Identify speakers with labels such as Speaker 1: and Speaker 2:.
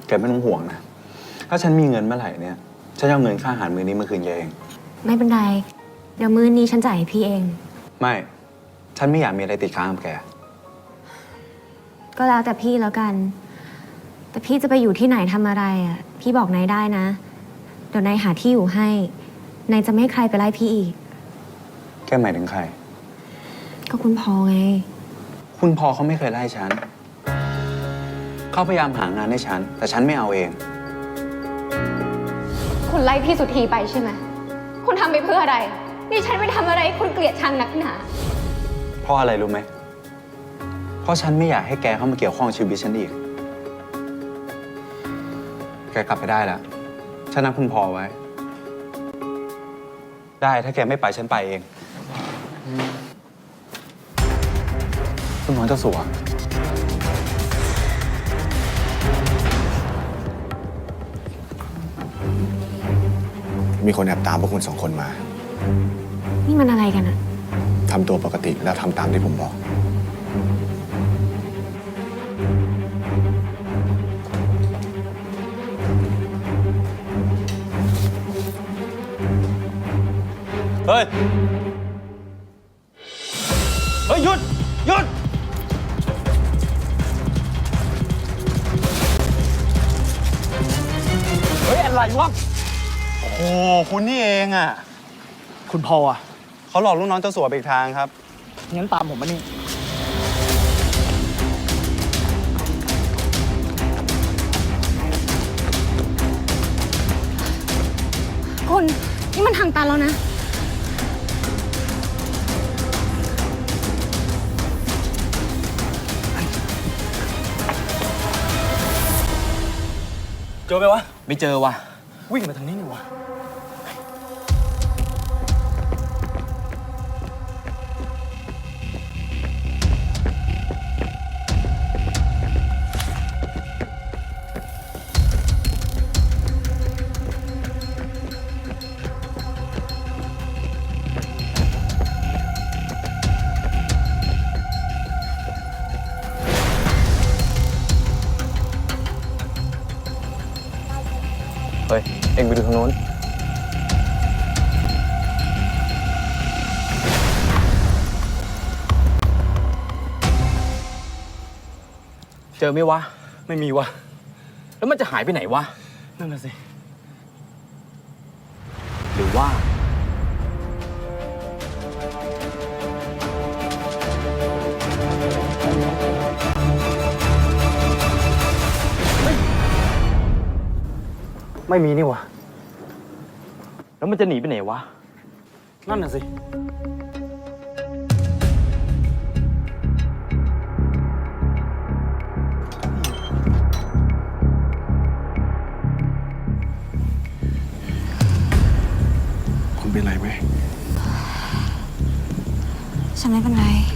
Speaker 1: แกไม่ต้องห่วงนะ ถ้าฉันมีเงินเมื่อไหร่เนี่ย ฉันจะเอาเงินค่าอาหารมื้อนี้มาคืนแกเอง
Speaker 2: ไม่เป็นไร เดี๋ยวมื้อนี้ฉันจ่ายให้พี่เอง
Speaker 1: ไม่ ฉันไม่อยากมีอะไรติดค้างกับแก
Speaker 2: ก็แล้วแต่พี่แล้วกัน แต่พี่จะไปอยู่ที่ไหนทำอะไรอ่ะ พี่บอกนายได้นะ เดี๋ยวนายหาที่อยู่ให้ นายจะไม่ให้ใครไปไล่พี่อีก
Speaker 1: แกหมายถึงใคร
Speaker 2: ก็คุณพอไง
Speaker 1: คุณพอเขาไม่เคยไล่ฉัน เขาพยายามหางานให้ฉัน แต่ฉันไม่เอาเอง
Speaker 3: คุณไล่พี่สุธีไปใช่ไหม คุณทำไปเพื่ออะไร นี่ฉันไม่ทำอะไรคุณเกลียดชังนักหนา
Speaker 1: เพราะอะไรรู้ไหม เพราะฉันไม่อยากให้แกเข้ามาเกี่ยวข้องชีวิตฉันอีก แกกลับไปได้แล้ว ฉันนัดคุณพอไว้ ได้ถ้าแกไม่ไปฉันไปเอง คุณหมอเจ้าสัว
Speaker 4: มีคนแอบตามพวกคุณ2 คนมา
Speaker 2: นี่มันอะไรกันอ่ะ
Speaker 4: ทำตัวปกติแล้วทำตามที่ผมบอก
Speaker 1: เฮ้ย เฮ้ย หยุด หยุด เฮ้ย อะไรวะ โอ้โห คุณนี่เองอ่ะ
Speaker 5: คุณพออ่ะ
Speaker 1: เขาหลอกลูกน้องเจ้าสัวไปอีกทางครับ
Speaker 5: งั้นตามผมมานี่
Speaker 2: คุณ นี่มันทางตันแล้วนะ
Speaker 5: เจอไหมวะ ไม่เจอวะวิ่งมาทางนี้นี่วะเฮ้ย เอ็งไปดูทางโน้น เจอไหมวะ ไม่มีวะ แล้วมันจะหายไปไหนวะ นั่นน่ะสิ หรือว่า ไม่มีนี่วะ แล้วมันจะหนีไปไหนวะ นั่นน่ะสิ
Speaker 4: คุณเป็นไรไหม
Speaker 2: ฉันไม่เป็นไร